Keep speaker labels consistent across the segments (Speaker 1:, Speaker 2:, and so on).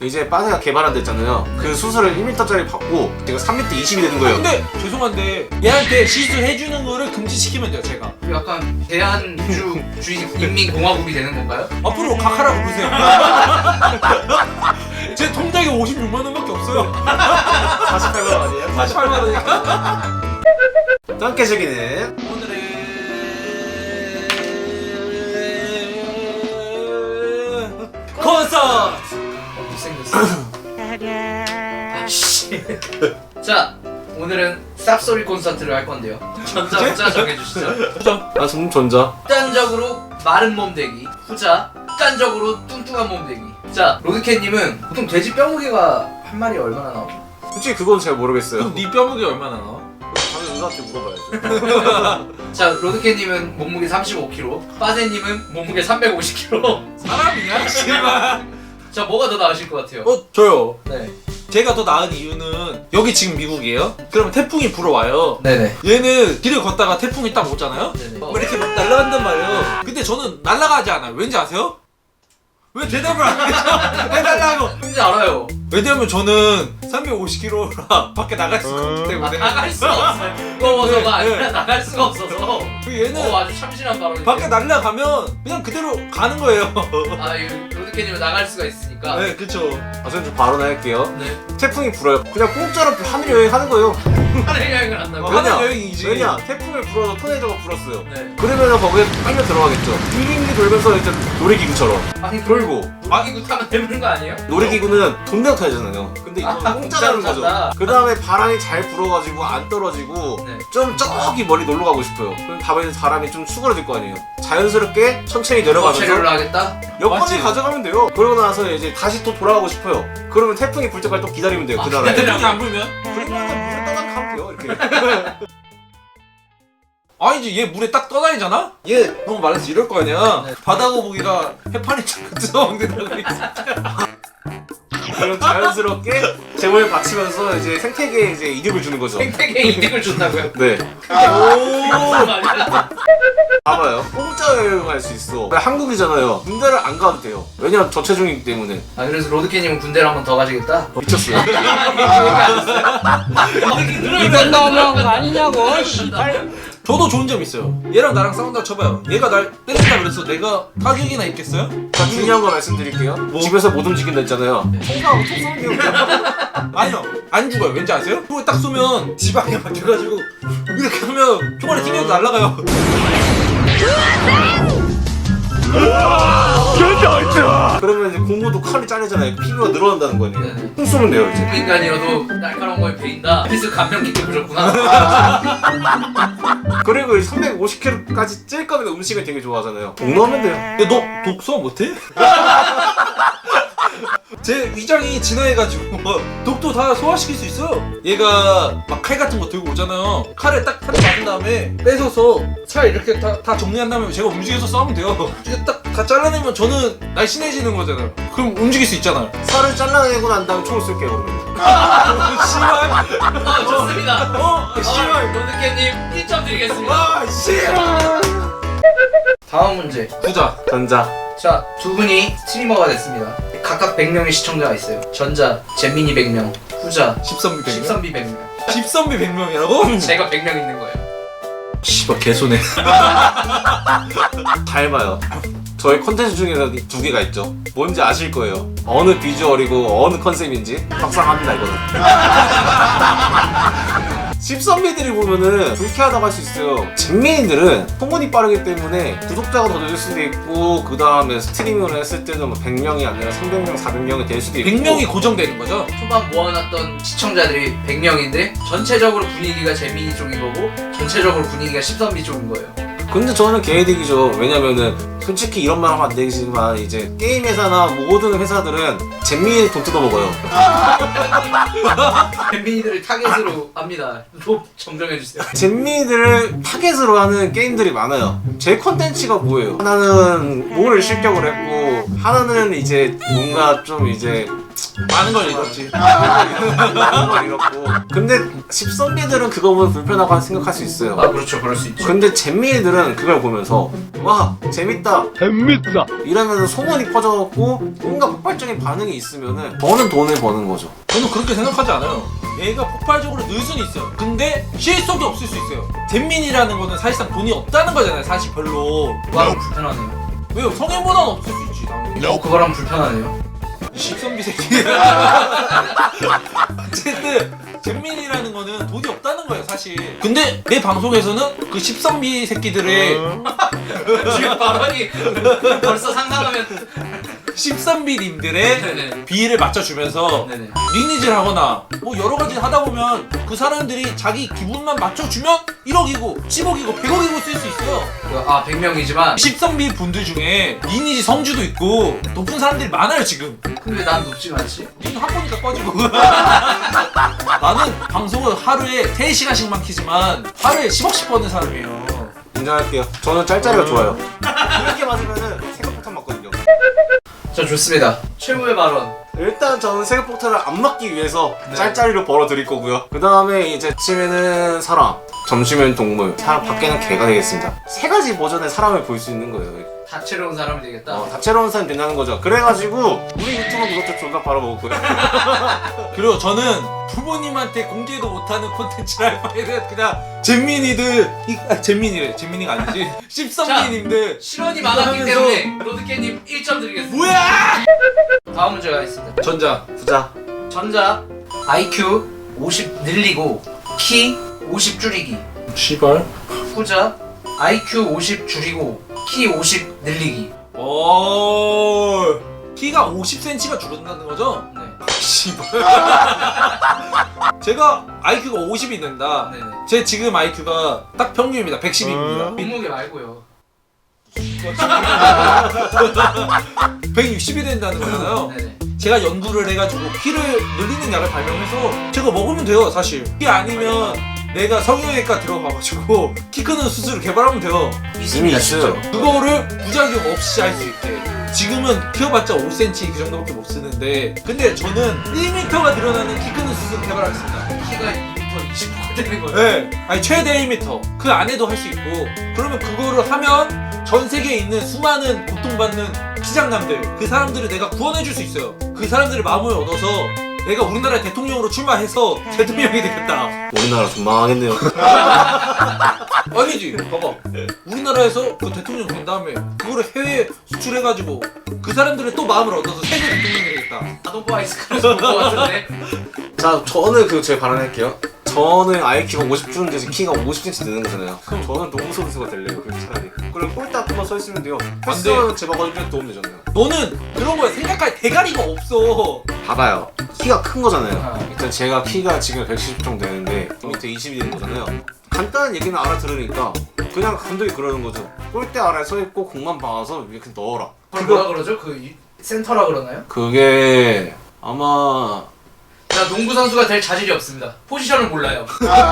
Speaker 1: 이제 빠세가 개발한 데 있잖아요. 그 수술을 1m짜리 받고 제가 3m 20이 되는 거예요.
Speaker 2: 근데 죄송한데 얘한테 시술해주는 거를 금지시키면 돼요 제가.
Speaker 3: 약간 대한민주주의 인민공화국이 되는 건가요?
Speaker 2: 앞으로 각하라고 부르세요. 제 통장에 56만 원밖에 없어요.
Speaker 1: 48만 원 아니에요?
Speaker 2: 48만 원이니까.
Speaker 1: 함께 즐기는
Speaker 2: 콘서트.
Speaker 3: 못생겼어. 아씨. 자, 오늘은 쌉소리 콘서트를 할 건데요. 전자 후자 정해주시죠.
Speaker 1: 아 저는 전자.
Speaker 3: 극단적으로 마른 몸 되기, 후자 극단적으로 뚱뚱한 몸 되기. 자, 로드캣님은 보통 돼지 뼈 무게가 한 마리에 얼마나 나오죠?
Speaker 1: 솔직히 그건 잘 모르겠어요.
Speaker 2: 그럼 네 뼈무게 얼마나 나와?
Speaker 1: 다른 의사한테 물어봐야죠.
Speaker 3: 자, 로드캣님은 몸무게 35kg, 빠세님은 몸무게 350kg.
Speaker 2: 사람이야? 씨발.
Speaker 3: 자, 뭐가 더 나으실 것 같아요?
Speaker 2: 저요.
Speaker 3: 네.
Speaker 2: 제가 더 나은 이유는 여기 지금 미국이에요. 그러면 태풍이 불어와요.
Speaker 3: 네네.
Speaker 2: 얘는 길을 걷다가 태풍이 딱 오잖아요.
Speaker 3: 네네.
Speaker 2: 뭐 이렇게 막 날아간단 말이에요. 근데 저는 날아가지 않아요. 왠지 아세요? 왜 대답을 안 해줘? 해달라고.
Speaker 3: 뭔지 알아요.
Speaker 2: 왜냐면 저는 350kg라 밖에 나갈 수가 없기 때문에.
Speaker 3: 나갈 수가 없어요. 무거워서가
Speaker 2: 네,
Speaker 3: 아니라
Speaker 2: 네.
Speaker 3: 나갈 수가 없어서.
Speaker 2: 얘는
Speaker 3: 아주 참신한 발언이에요.
Speaker 2: 밖에 날아가면 그냥 그대로 가는 거예요.
Speaker 3: 아, 이 로드캣님은 나갈 수가 있으니까.
Speaker 2: 네, 그쵸.
Speaker 1: 아 저는 좀 발언할게요.
Speaker 3: 네.
Speaker 1: 태풍이 불어요. 그냥 공짜로 하늘 여행하는 거예요.
Speaker 3: 하늘 여행을 한다고.
Speaker 2: 하늘 여행이지.
Speaker 1: 왜냐? 태풍을 불어서 토네이도가 불었어요.
Speaker 3: 네.
Speaker 1: 그러면 거기에 빨려 들어가겠죠. 빙빙 돌면서 이제 놀이기구처럼
Speaker 3: 아니,
Speaker 1: 돌고.
Speaker 3: 놀이기구 타면 되는 거 아니에요?
Speaker 1: 놀이기구는 돈 내고 타야잖아요. 근데 이건 공짜라는 거죠.
Speaker 3: 공짜로
Speaker 1: 그 다음에 바람이 잘 불어가지고 안 떨어지고
Speaker 3: 네.
Speaker 1: 좀 저기 멀리 놀러 가고 싶어요. 그럼 다음에 사람이 좀 수그러질 거 아니에요. 자연스럽게 천천히 내려가면서
Speaker 3: 체류를 하겠다?
Speaker 1: 여권을
Speaker 2: 맞지?
Speaker 1: 가져가면 돼요. 그러고 나서 이제 다시 또 돌아가고 싶어요. 그러면 태풍이 불 때까지 또 기다리면 돼요.
Speaker 3: 아,
Speaker 1: 그 나라에.
Speaker 2: 태풍이 안 불면?
Speaker 1: 그러면 물에 떠나 가면 돼요. 이렇게.
Speaker 2: 아니지, 얘 물에 딱 떠다니잖아? 얘 너무 말해서 이럴 거 아니야.
Speaker 3: 네.
Speaker 2: 바다 거북이가 해파리 쫙 들어먹는다고 있어.
Speaker 1: 그럼 자연스럽게 재물을 바치면서 이제 생태계에 이제 이득을 주는 거죠.
Speaker 3: 생태계에 이득을 준다고요?
Speaker 1: 네.
Speaker 3: 무슨 말이야?
Speaker 1: 봐봐요. 공짜 여행할 수 있어. 한국이잖아요. 군대를 안 가도 돼요. 왜냐면 저체중이기 때문에.
Speaker 3: 아, 그래서 로드캣님은 군대를 한번 더 가시겠다?
Speaker 1: 미쳤어요.
Speaker 4: 이건 너무한 거 아니냐고.
Speaker 2: 저도 좋은 점 있어요. 얘랑 나랑 싸운다 쳐봐요. 얘가 날 때린다 그래서 내가 타격이나 입겠어요?
Speaker 1: 자, 중요한 거 말씀드릴게요. 집에서 못 움직인다 했잖아요. 통과하고 총 쏘는 게 그냥.
Speaker 2: 아니요, 안 죽어요. 왠지 아세요? 총을 딱 쏘면 지방에 막혀가지고 이렇게 하면 총알이 튕겨서 날아가요.
Speaker 1: 그러면 이제 고무도 칼이 잘리잖아요. 피부가 늘어난다는 거예요.
Speaker 3: 네네.
Speaker 1: 총 쏘면 돼요, 이제.
Speaker 3: 인간이라도 날카로운 거에 베인다. 그래서 감명 깊게 보셨구나.
Speaker 1: 그리고 350kg까지 찔 거면 음식을 되게 좋아하잖아요. 돈 넣으면 돼요.
Speaker 2: 야, 너 독서 못해? 제 위장이 진화해가지고 독도 다 소화시킬 수 있어요. 얘가 막 칼 같은 거 들고 오잖아요. 칼에 딱 한 대 맞은 다음에 뺏어서 살 이렇게 다 정리한 다음에 제가 움직여서 싸우면 돼요. 이게 딱 다 잘라내면 저는 날씬해지는 거잖아요. 그럼 움직일 수 있잖아요.
Speaker 1: 살을 잘라내고 난 다음에 총을 쏠게요, 그러면.
Speaker 2: 씨발.
Speaker 3: 좋습니다.
Speaker 2: 씨발.
Speaker 3: 로드캣님 1점 드리겠습니다.
Speaker 2: 아, 씨발.
Speaker 3: 다음 문제.
Speaker 2: 부자.
Speaker 1: 전자.
Speaker 3: 자, 두 분이 스트리머가 됐습니다. 각각 100명의 시청자가 있어요. 전자, 잼민이 100명, 후자,
Speaker 2: 13비 100명?
Speaker 3: 십선비 100명.
Speaker 2: 13비 100명이라고?
Speaker 3: 제가 100명 있는 거예요.
Speaker 2: 씨발 개소네.
Speaker 1: 닮아요. 저희 컨텐츠 중에서 두 개가 있죠. 뭔지 아실 거예요. 어느 비주얼이고 어느 컨셉인지 확상합니다, 이거는. 십선미들이 보면은 불쾌하다고 할 수 있어요. 잼민이들은 소문이 빠르기 때문에 구독자가 더 늘 수도 있고, 그 다음에 스트리밍을 했을 때는 뭐 100명이 아니라 300명, 400명이 될 수도 있고.
Speaker 2: 100명이 고정되는 거죠?
Speaker 3: 초반 모아놨던 시청자들이 100명인데 전체적으로 분위기가 재민이 쪽인 거고 전체적으로 분위기가 십선비 쪽인 거예요.
Speaker 1: 근데 저는 개이득이죠. 왜냐면은 솔직히 이런 말 하면 안 되지만 이제 게임 회사나 모든 회사들은 잼민이 돈 뜯어먹어요.
Speaker 3: 잼민이들을 타겟으로 합니다. 로 정정해주세요.
Speaker 1: 잼민이들을 타겟으로 하는 게임들이 많아요. 제 컨텐츠가 뭐예요? 하나는 뭘 실격을 했고, 하나는 이제 뭔가 좀 이제
Speaker 2: 많은 걸 잃었지.
Speaker 1: 많은 걸 잃었고. 근데 십선비들은 그거 보면 불편하고 생각할 수 있어요.
Speaker 3: 아, 그렇죠. 그럴 수 있죠.
Speaker 1: 근데 잼민이들은 저는 그걸 보면서 와 재밌다 이러면서 소문이 퍼져갖고 뭔가 폭발적인 반응이 있으면은 저는 돈을 버는 거죠.
Speaker 2: 저는 그렇게 생각하지 않아요. 얘가 폭발적으로 늘 수는 있어요. 근데 실속이 없을 수 있어요. 잼민이라는 거는 사실상 돈이 없다는 거잖아요. 사실 별로.
Speaker 3: 그거랑 불편하네요.
Speaker 2: 왜요? 성인보다는 없을 수 있지 당연히.
Speaker 3: 그거랑 불편하네요.
Speaker 2: 십선비 새끼. 어쨌든 잼민이라는 거는 돈이 없다는 거예요 사실. 근데 내 방송에서는 그 십선비 새끼들의
Speaker 3: 지금 발언이 벌써 상상하면
Speaker 2: 십선비님들의
Speaker 3: 네네.
Speaker 2: 비위를 맞춰주면서
Speaker 3: 네네.
Speaker 2: 리니지를 하거나 뭐 여러 가지 하다 보면 그 사람들이 자기 기분만 맞춰주면 1억이고 10억이고 100억이고 쓸 수 있어요.
Speaker 3: 100명이지만
Speaker 2: 10선비 분들 중에 리니지 성주도 있고 높은 사람들이 많아요 지금.
Speaker 3: 근데 난 높지가 않지.
Speaker 2: 니는 학보니까 꺼지고. 나는 방송을 하루에 3시간씩만 키지만 하루에 10억씩 버는 사람이에요.
Speaker 1: 인정할게요. 저는 짤짤이가 좋아요. 그렇게 맞으면은 세금폭탄 맞거든요.
Speaker 3: 자 좋습니다. 최고의 발언.
Speaker 1: 일단 저는 세금폭탄을 안 맞기 위해서
Speaker 3: 네.
Speaker 1: 짤짤이로 벌어드릴 거고요. 그 다음에 이제 아침에는 사람, 점심에는 동물, 사람 밖에는 개가 되겠습니다. 3가지 버전의 사람을 볼 수 있는 거예요.
Speaker 3: 다채로운 사람이 되겠다.
Speaker 1: 다채로운 사람이 된다는 거죠. 그래가지고 우리 유튜브 구독자 존나 바라먹을 거예요.
Speaker 2: 그리고 저는 부모님한테 공개도 못하는 콘텐츠를 할 바에는 그냥 잼민이들 잼민이래 잼민이가 아니지 씹선비님들
Speaker 3: 실언이 많았기 때문에 로드캣님 1점 드리겠습니다.
Speaker 2: 뭐야
Speaker 3: 다음 문제가 있습니다.
Speaker 2: 전자
Speaker 1: 부자.
Speaker 3: 전자 IQ 50 늘리고 키 50 줄이기.
Speaker 2: 시발
Speaker 3: 후자 IQ 50 줄이고 키 50 늘리기.
Speaker 2: 키가 50cm가 줄어든다는 거죠?
Speaker 3: 네.
Speaker 2: 시발 제가 IQ가 50이 된다.
Speaker 3: 네네.
Speaker 2: 제 지금 IQ가 딱 평균입니다. 110입니다.
Speaker 3: 몸무게 말고요.
Speaker 2: 160이 된다는 거잖아요.
Speaker 3: 네네.
Speaker 2: 제가 연구를 해가지고 키를 늘리는 약을 발명해서 제가 먹으면 돼요 사실. 그게 아니면 내가 성형외과 들어가가지고 키 크는 수술을 개발하면 돼요.
Speaker 1: 이미 있어요.
Speaker 2: 그거를 부작용 없이 할 수 있게. 지금은 키워봤자 5cm 그 정도밖에 못 쓰는데 근데 저는 1m가 늘어나는 키 크는 수술을 개발하겠습니다.
Speaker 3: 키가 2m 25가 되는 거예요.
Speaker 2: 네, 아니 최대 1m 그 안에도 할 수 있고 그러면 그거를 하면 전 세계에 있는 수많은 고통받는 시장남들 그 사람들을 내가 구원해줄 수 있어요. 그 사람들의 마음을 얻어서 내가 우리나라의 대통령으로 출마해서 대통령이 되겠다.
Speaker 1: 우리나라 좀 망하겠네요.
Speaker 2: 아니지 봐봐 우리나라에서 그 대통령 된 다음에 그거를 해외에 수출해가지고 그 사람들의 또 마음을 얻어서 세계 대통령이 되겠다.
Speaker 3: 아동포 아이스크림 먹을 것 같은데.
Speaker 1: 자, 저는 제 발언할게요. 저는 IQ가 50 주는데 키가 50cm 되는 거잖아요. 그럼 저는 농구 선수가 될래요. 그럼 차라리. 그리고 꼴딱만 서 있으면 돼요. 패스는 제 막아주면 도움 되잖아요.
Speaker 2: 너는 그런 거에 생각할 대가리가 없어.
Speaker 1: 봐봐요. 키가 큰 거잖아요.
Speaker 3: 아.
Speaker 1: 일단 제가 키가 지금 170 정도 되는데 밑에 20이 되는 거잖아요. 간단한 얘기는 알아들으니까 그냥 감독이 그러는 거죠. 골대 아래에 서 있고 공만 박아서 이렇게 넣어라.
Speaker 3: 그걸 뭐라 그러죠? 센터라 그러나요?
Speaker 1: 그게 아마
Speaker 3: 나 농구 선수가 될 자질이 없습니다. 포지션을 몰라요.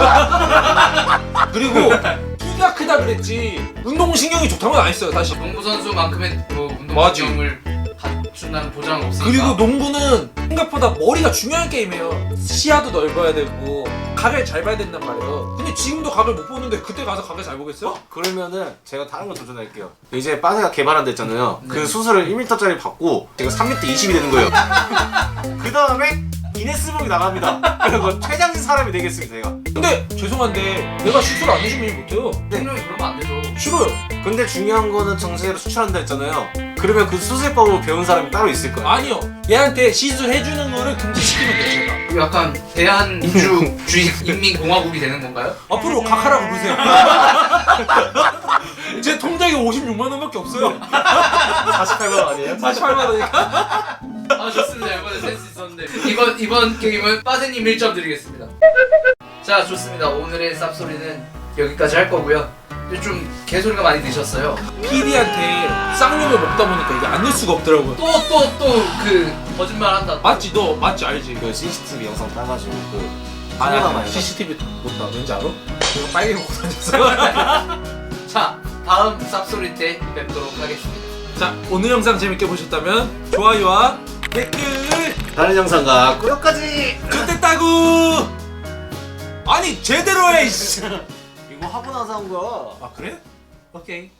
Speaker 2: 그리고 키가 크다 그랬지 운동신경이 좋다는 건 안 했어요 사실.
Speaker 3: 농구 선수만큼의 뭐
Speaker 2: 맞지.
Speaker 3: 운동신경을 갖춘다는 보장은 없으니까.
Speaker 2: 그리고 농구는 생각보다 머리가 중요한 게임이에요. 시야도 넓어야 되고 각을 잘 봐야 된단 말이에요. 근데 지금도 각을 못 보는데 그때 가서 각을 잘 보겠어요?
Speaker 1: 그러면은 제가 다른 거 도전할게요. 이제 빠세가 개발한다 했잖아요.
Speaker 3: 네.
Speaker 1: 그 수술을 1m짜리 받고 제가 3m 20이 되는 거예요. 그 다음에 기네스북이 나갑니다. 그리고 최장신 사람이 되겠습니다, 제가.
Speaker 2: 근데 죄송한데 내가 수술 안 해주면 일 못해요.
Speaker 3: 분명히 그러면 안 되죠.
Speaker 2: 싫어요.
Speaker 1: 근데 중요한 거는 전 세계로 수출한다 했잖아요. 그러면 그 수술법을 배운 사람이 따로 있을 거예요.
Speaker 2: 아니요. 얘한테 시술해주는 거를 금지시키면 돼요 제가.
Speaker 3: 이거 약간 대한민주주의 인민공화국이 되는 건가요?
Speaker 2: 앞으로 각하라고 부르세요. 제 통장에 56만 원밖에 없어요.
Speaker 1: 48만 원 아니에요?
Speaker 2: 48만 원이니까.
Speaker 3: 아 좋습니다. 이번에 센스 있었는데 이번 게임은 빠세님 1점 드리겠습니다. 자 좋습니다. 오늘의 쌉소리는 여기까지 할 거고요. 근데 좀 개소리가 많이 드셨어요.
Speaker 2: PD한테 쌍욕을 먹다 보니까 이게 안 낼 수가 없더라고요.
Speaker 3: 또 그 거짓말 한다.
Speaker 2: 맞지? 너 맞지? 알지?
Speaker 1: 그 CCTV 영상 따가지고 그
Speaker 2: 아니야
Speaker 1: 카메라만 해서.
Speaker 2: CCTV 못다 왠지 알아? 내가 빨개 먹고 다녔어.
Speaker 3: 자 다음 쌉소리 때 뵙도록 하겠습니다.
Speaker 2: 자 오늘 영상 재밌게 보셨다면 좋아요와 댓글
Speaker 1: 다른 영상과 꾸역까지.
Speaker 2: 좋댔다고. 아니 제대로 해. 이씨.
Speaker 1: 이거 하고 나서 한 거야.
Speaker 2: 아 그래?
Speaker 3: 오케이.